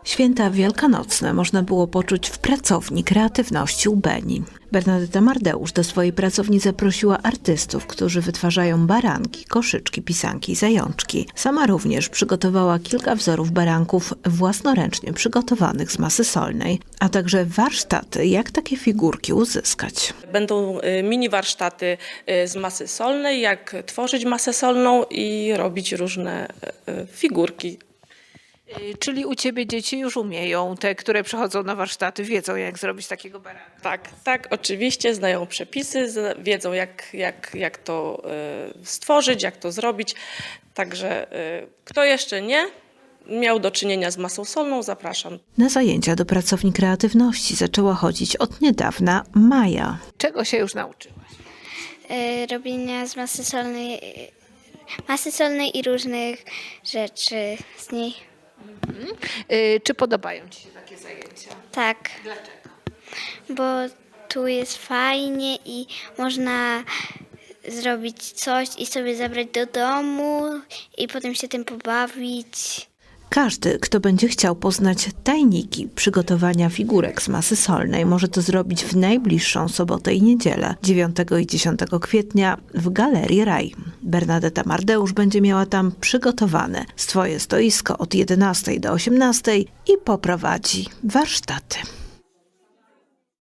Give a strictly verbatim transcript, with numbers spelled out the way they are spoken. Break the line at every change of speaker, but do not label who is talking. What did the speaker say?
Święta wielkanocne można było poczuć w pracowni kreatywności u Beni. Bernadeta Mardeusz do swojej pracowni zaprosiła artystów, którzy wytwarzają baranki, koszyczki, pisanki i zajączki. Sama również przygotowała kilka wzorów baranków własnoręcznie przygotowanych z masy solnej, a także warsztaty, jak takie figurki uzyskać.
Będą mini warsztaty z masy solnej, jak tworzyć masę solną i robić różne figurki.
Czyli u Ciebie dzieci już umieją, te, które przychodzą na warsztaty, wiedzą, jak zrobić takiego baranka.
Tak, tak, oczywiście, znają przepisy, wiedzą jak, jak, jak to stworzyć, jak to zrobić. Także kto jeszcze nie miał do czynienia z masą solną, zapraszam.
Na zajęcia do pracowni kreatywności zaczęła chodzić od niedawna Maja. Czego się już nauczyłaś?
Y, robienia z masy solnej, masy solnej i różnych rzeczy z niej.
Mhm. Y, czy podobają Ci się takie zajęcia?
Tak.
Dlaczego?
Bo tu jest fajnie i można zrobić coś i sobie zabrać do domu i potem się tym pobawić.
Każdy, kto będzie chciał poznać tajniki przygotowania figurek z masy solnej, może to zrobić w najbliższą sobotę i niedzielę, dziewiątego i dziesiątego kwietnia w Galerii Raj. Bernadeta Mardeusz będzie miała tam przygotowane swoje stoisko od jedenastej do osiemnastej i poprowadzi warsztaty.